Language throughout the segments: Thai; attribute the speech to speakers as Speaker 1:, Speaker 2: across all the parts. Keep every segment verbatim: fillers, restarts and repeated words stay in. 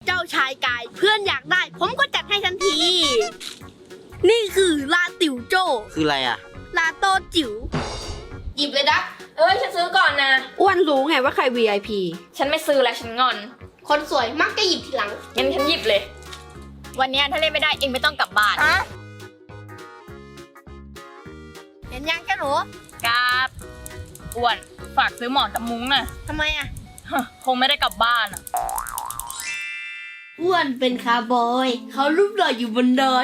Speaker 1: เจ้าชายกายเพื่อนอยากได้ผมก็จัดให้ทันที นี่คือลาติ๋วโจ
Speaker 2: คืออะไรอ่ะ
Speaker 1: ลาโตจิ๋ว
Speaker 3: หยิบเลยดักเอ้ยฉันซื้อก่อนนะ
Speaker 4: อ้วนรู้ไงว่าใคร วี ไอ พี
Speaker 3: ฉันไม่ซื้อแล้วฉันงอน
Speaker 1: คนสวยมักจะหยิบทีหลัง
Speaker 3: งั้นฉันหยิบเลยวันนี้ถ้าเล่นไม่ได้เองไม่ต้องกลับบ้าน
Speaker 1: เห็นยังแกหนู
Speaker 3: กราบอ้วนฝากซื้อหมอนกับมุ้งน่ะ
Speaker 1: ทำไมอ่ะ
Speaker 3: คงไม่ได้กลับบ้านอ่ะ
Speaker 1: อ้วนเป็นคาร์บอยเขารูปหล่ออยู่บนดอย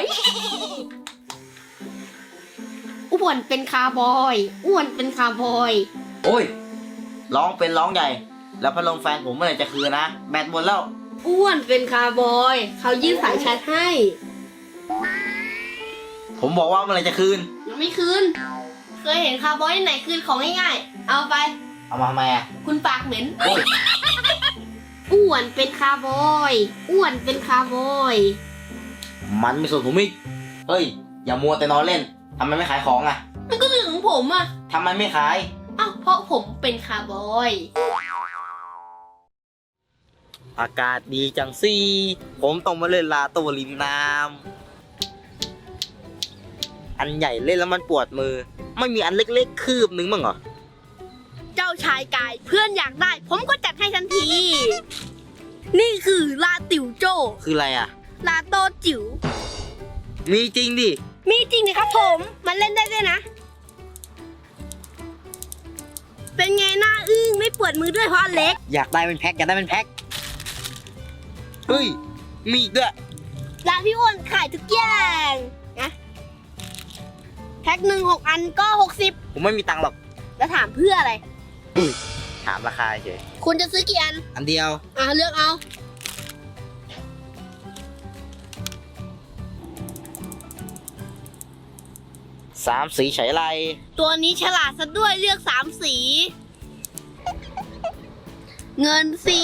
Speaker 1: อ้วนเป็นคาร์บอยอ้วนเป็นคาร์บอย
Speaker 2: โอ้ยร้องเป็นร้องใหญ่แล้วพัดลมแฟนผมเมื่อไหร่จะคืนนะแบตหมดแล้ว
Speaker 1: อ้วนเป็นคาร์บอยเขายื่นสายชาร์จให้
Speaker 2: ผมบอกว่าเมื่อไหร่จะคืน
Speaker 1: ยังไม่คืนเคยเห็นคาร์บอยที่ไหนคืนของง่ายๆเอาไป
Speaker 2: เอามาทำไมอ่ะ
Speaker 1: คุณปากเหม็นอ้วนเป็นคาร์บอยอ้วนเป็นคาร์บอย
Speaker 2: มันไม่สนผมอีกเฮ้ยอย่ามัวแต่นอนเล่นทำไมไม่ขายของอ่ะ
Speaker 1: มันก็เรื่องของผมอ่ะ
Speaker 2: ทำไมไม่ขาย
Speaker 1: อ้าวเพราะผมเป็นคาร์บอย
Speaker 2: อากาศดีจังสิผมต้องมาเล่นลาโตริมน้ำอันใหญ่เล่นแล้วมันปวดมือไม่มีอันเล็กๆคืบนึงมั้งเหรอ
Speaker 1: เจ้าชายกายเพื่อนอยากได้ผมก็จัดให้ทันที นี่คือลาติ๋วโจ
Speaker 2: คืออะไรอ่ะ
Speaker 1: ลาโตจิ๋ว
Speaker 2: มีจริงดิ
Speaker 1: มีจริงดิครับผมมันเล่นได้ด้วยนะเป็นไงหน้าอึ้งไม่ปวดมือด้วยเพราะอันเล็ก
Speaker 2: อยากได้เป็นแพ็คอยากได้เป็นแพ็คเฮ้ยมีอีกด้วย
Speaker 1: ร้านพี่อ้วนขายทุกอย่างนะแพ็คหนึ่งหกอันก็หกสิบ
Speaker 2: ผมไม่มีตังค์หรอก
Speaker 1: แล้วถามเพื่ออะไร
Speaker 2: ถามราคาเฉย
Speaker 1: คุณจะซื้อกี่อัน
Speaker 2: อันเดียว
Speaker 1: อ่ะเลือกเอา
Speaker 2: สามสีใช้ไร
Speaker 1: ตัวนี้ฉลาดซะด้วยเลือกสามสี เงินสี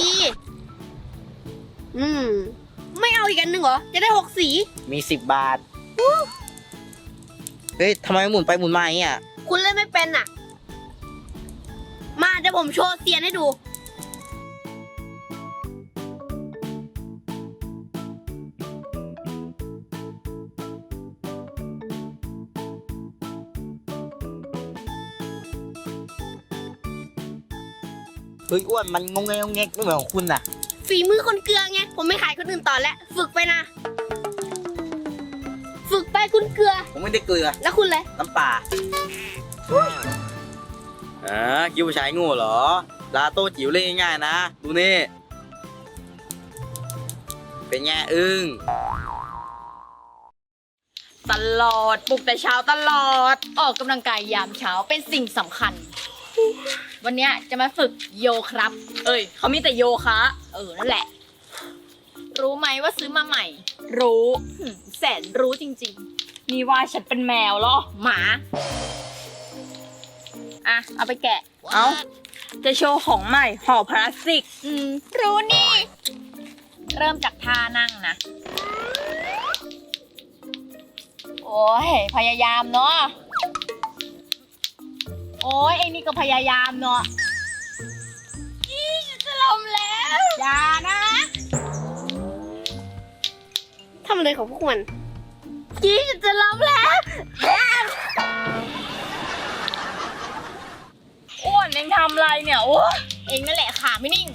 Speaker 1: อืมไม่เอาอีกอันหนึ่งเหรอจะได้หกสี
Speaker 2: มีสิบบาทเฮ้ยทำไมหมุนไปหมุนมาอย่างเงี้ย
Speaker 1: คุณเล่นไม่เป็นอ่ะมาเดี๋ยวผมโชว์เซียนให้ดู
Speaker 2: เฮ้ยอ้วนมันงงเงงงงไม่เหมือนของคุณน่ะ
Speaker 1: ฝีมือคนเกลือไงผมไม่ขายคนอื่นต่อแล้วฝึกไปนะฝึกไปคุณเกลือ
Speaker 2: ผมไม่ได้เกลือ
Speaker 1: แล้วคุณเลย
Speaker 2: น้ำปลาอ่าคิดว่าชายโง่เหรอลาโต้จิ๋วเล่นง่ายๆนะดูนี่เป็นไงอึ้ง
Speaker 3: ตลอดปลุกแต่เช้าตลอดออกกำลังกายยามเช้าเป็นสิ่งสำคัญวันนี้จะมาฝึกโยครับเอ้ยเขามีแต่โยคะเออนั่นแหละรู้ไหมว่าซื้อมาใหม่รู้แสนรู้จริงๆนี่ว่าฉันเป็นแมวเหรอหมาอ่ะเอาไปแกะเอาจะโชว์ของใหม่ห่อพลาสติกอืมรู้นี่เริ่มจากท่านั่งนะโอ้ยพยายามเนาะโอ้ยเอ็งนี่ก็พยายามเนาะยี่จะล้มแล้วอย่านะ
Speaker 1: ทำอะไรของพวกมัน
Speaker 3: ยี่จะล้มแล้วอ้วนเอ็งทำอะไรเนี่ยโอ้เอ็งนั่นแหละขาไม่นิ่ง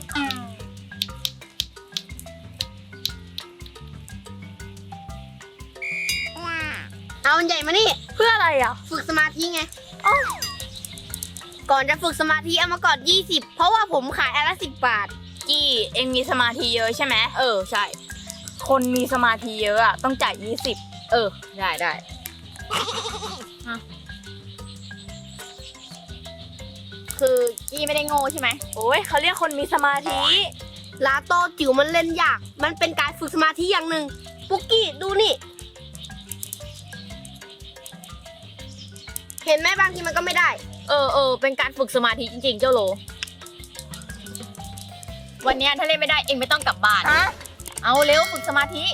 Speaker 1: เอามันใหญ่มานี่
Speaker 3: เพื่ออะไรอ่ะ
Speaker 1: ฝึกสมาธิไงก่อนจะฝึกสมาธิเอามาก่อนยี่สิบเพราะว่าผมขายอันละสิบบาท
Speaker 3: กี้เอ็งมีสมาธิเยอะใช่ไหมเออใช่คนมีสมาธิเยอะอ่ะต้องจ่ายยี่สิบเออได้ได้คือกี้ไม่ได้โง่ใช่ไหมโอ้ยเขาเรียกคนมีสมาธิ
Speaker 1: ลาโต้จิ๋วมันเล่นยากมันเป็นการฝึกสมาธิอย่างหนึ่งปุ๊กกี้ดูนี่เห็นไหมบางทีมันก็ไม่ได้
Speaker 3: เออเออเป็นการฝึกสมาธิจริงๆเจ้าโลวันนี้ถ้าเล่นไม่ได้เองไม่ต้องกลับบ้านเอาเร็วฝึกสมาธิ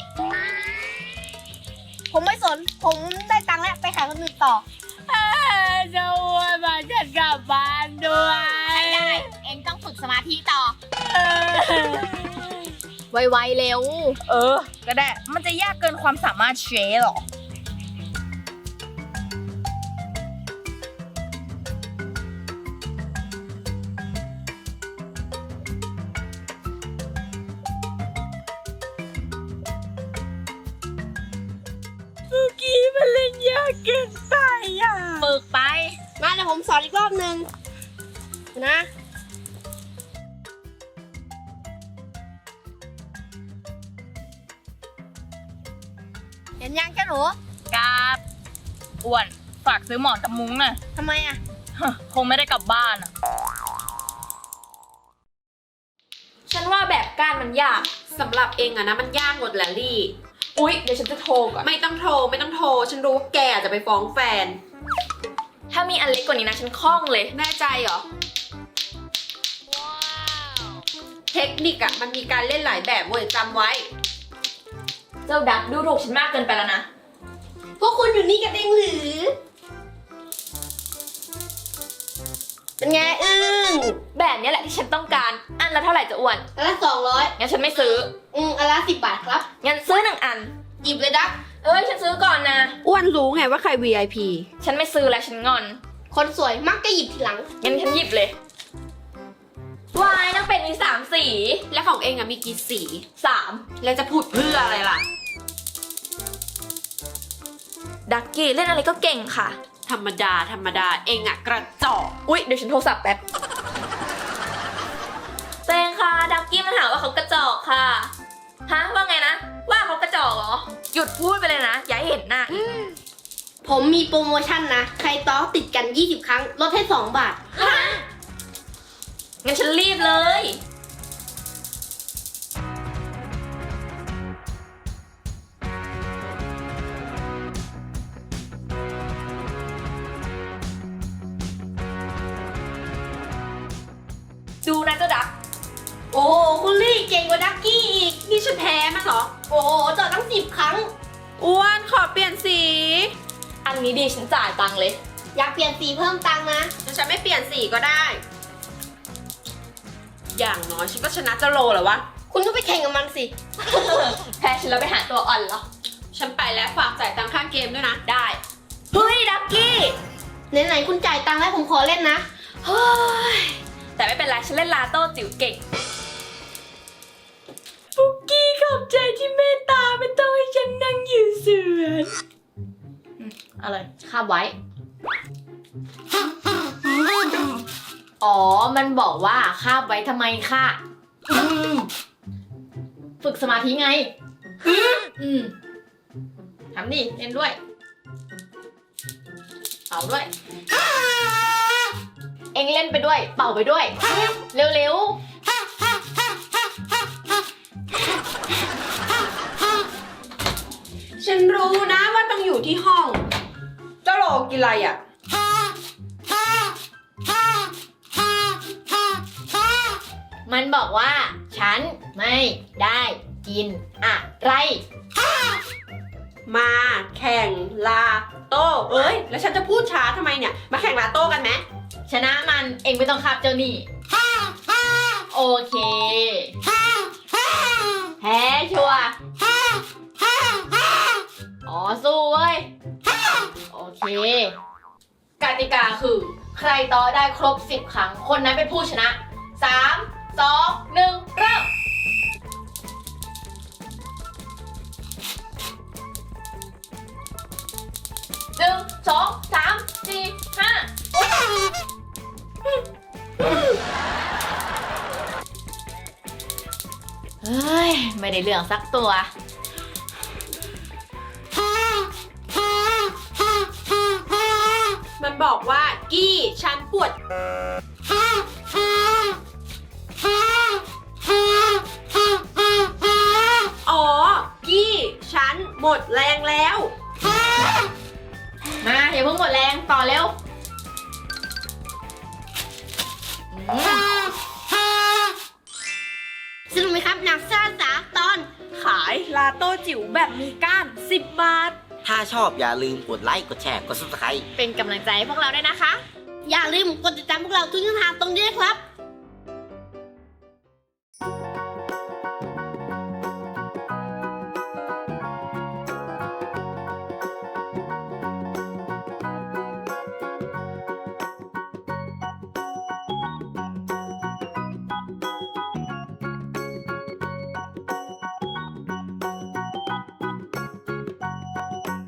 Speaker 1: ผมไม่สนผมได้ตังค์แล้วไปขายคนอื่นต่อ
Speaker 3: จะวนมาฉันกลับบ้านด้วยไม่ได้เองต้องฝึกสมาธิต่อไวๆเร็ว เออ ก็ได้ มันจะยากเกินความสามารถเชฟหรอ
Speaker 1: เมื่อกี้มันเล่นยากเกินไปอ่ะ
Speaker 3: ฝึกไป
Speaker 1: มาเดี๋ยวผมสอนอีกรอบหนึ่งนะเห็นยังจ้าหนู
Speaker 3: กราบอ้วน ฝากซื้อหมอนกับมุ้งหน่อย
Speaker 1: ทำไมอ่ะ
Speaker 3: ฮะคงไม่ได้กลับบ้านอ่ะ
Speaker 4: ฉันว่าแบบก้านมันยากสำหรับเองอะนะมันยากหมดแหละลี่
Speaker 3: อุ๊ย เดี๋ยวฉันจะโทรก่อน
Speaker 4: ไม่ต้องโทรไม่ต้องโทร ฉันรู้ว่าแกอาจจะไปฟ้องแฟน
Speaker 3: ถ้ามีอันเล็กกว่านี้นะ ฉันคล่องเลย
Speaker 4: แน่ใจเหรอ เทคนิคอะมันมีการเล่นหลายแบบเว้ยจำไว้
Speaker 3: เจ้าดักดูถูกฉันมากเกินไปแล้วนะ
Speaker 1: พวกคุณอยู่นี่กันเองหรือ เป็นไงอึ้ง
Speaker 3: แบบนี้แหละที่ฉันต้องการ อันละเท่าไหร่จะอ้วน
Speaker 1: อันละสองร้อย
Speaker 3: งั้นฉันไม่ซื้อ
Speaker 1: อืมอันละสิบบาทครับ
Speaker 3: งั้นซื้อหนึ่งอัน
Speaker 1: หยิบเลยดัก
Speaker 3: เอ้ย ฉันซื้อก่อนนะ
Speaker 4: อ้วนรู้ไงว่าใคร วี ไอ พี
Speaker 3: ฉันไม่ซื้อแล้วฉันงอน
Speaker 1: คนสวยมักจะหยิบทีหลัง
Speaker 3: งั้นฉันหยิบเลย วายนางเป็ดมีสามสี
Speaker 4: และของเองอะมีกี่สี
Speaker 3: สาม
Speaker 4: แล้วจะพูดเพื่ออะไรล่ะ
Speaker 3: ดักกี้เล่นอะไรก็เก่งค่ะ
Speaker 4: ธรรมดาธรรมดาเองอะกระจอก
Speaker 3: อุ๊ย เดี๋ยวฉันโทรศัพท์แป๊บเตงค่ะ ดักกี้มันหาว่าเขากระจอกค่ะ ฮะ ว่าไงนะ ว่าเขากระจอกเหรอ หยุดพูดไปเลยนะ อย่าให้เห็นหน้าอีก
Speaker 1: ผมมีโปรโมชั่นนะ ใครต้อติดกันยี่สิบครั้ง ลดให้สองบาท
Speaker 3: งั้นฉันรีบเลย ดูนะเจ้าดัก
Speaker 1: โอ้โหคุณลี่เก่งกว่าดักกี้อีก
Speaker 4: นี่ฉันแพ้มันเหรอ
Speaker 1: โอ้โหจอดตั้งสิบครั้ง
Speaker 4: อ้วนขอเปลี่ยนสี
Speaker 3: อันนี้ดีฉันจ่ายตังค์เลย
Speaker 1: อยากเปลี่ยนสีเพิ่มตังค์นะ
Speaker 4: แล้วฉันไม่เปลี่ยนสีก็ได้ อย่างน้อยฉันก็ชนะเจ้าโลเหรอวะ
Speaker 1: คุณก็ไปแข่งกับมันสิ
Speaker 3: แพ้ฉันแล้วไปหาตัวอ่อนเหรอ
Speaker 4: ฉันไปแล้วฝากจ่ายตังค่าเกมด้วยนะ
Speaker 3: ได้ เฮ้ย ดักกี้
Speaker 1: ไหนๆคุณจ่ายตังค์แล้วผมขอเล่นนะ
Speaker 3: เฮ้ย แต่ไม่เป็นไร ฉันเล่นลาโต้จิ๋วเก่ง
Speaker 1: ปุกกี้ขอบใจที่เมตตาไม่ต้องให้ฉันนั่งอยู่สวน
Speaker 3: อะไรคาบไว้ อ๋อ มันบอกว่าคาบไว้ทำไมค่ะอืมฝึกสมาธิไง อืมทำดิเล่นด้วยเป่าด้วย เอ็งเล่นไปด้วย เป่าไปด้วย เร็วๆ
Speaker 4: ฉันรู้นะว่าต้องอยู่ที่ห้อง เจ้าโลกินอะไรอ่ะ
Speaker 3: มันบอกว่า ฉันไม่ได้กินอะไร
Speaker 4: มาแข่งลาโต้เอ้ย แล้วฉันจะพูดช้าทำไมเนี่ย มาแข่งลาโต้กันไหม
Speaker 3: ชนะมันเองไม่ต้องคาบเจ้านี่โอเคแพ้ชัวร์อ๋อสู้เว้ยโอเคกติกาคือ ใครต่อได้ครบสิบครั้ง คนนั้นเป็นผู้ชนะสามสองหนึ่งเริ่มหนึ่งสองสามสี่ห้าเฮ้ย ไม่ได้เรื่องสักตัว
Speaker 4: มันบอกว่ากี้ฉันปวด อ๋อ กี้ฉันหมดแรงแล้ว
Speaker 3: มาอย่าเพิ่งหมดแรงต่อเร็วอืม
Speaker 1: สนุกไหมครับหนังซ่าสาตอน
Speaker 4: ขายลาโต้จิ๋วแบบมีก้านสิบบาท
Speaker 2: ถ้าชอบอย่าลืมกดไลค์กดแชร์กด ซับสไครบ์
Speaker 3: เป็นกำลังใจให้พวกเราด้วยนะคะ
Speaker 1: อย่าลืมกดติดตามพวกเราทุกช่องทางตรงนี้นะครับ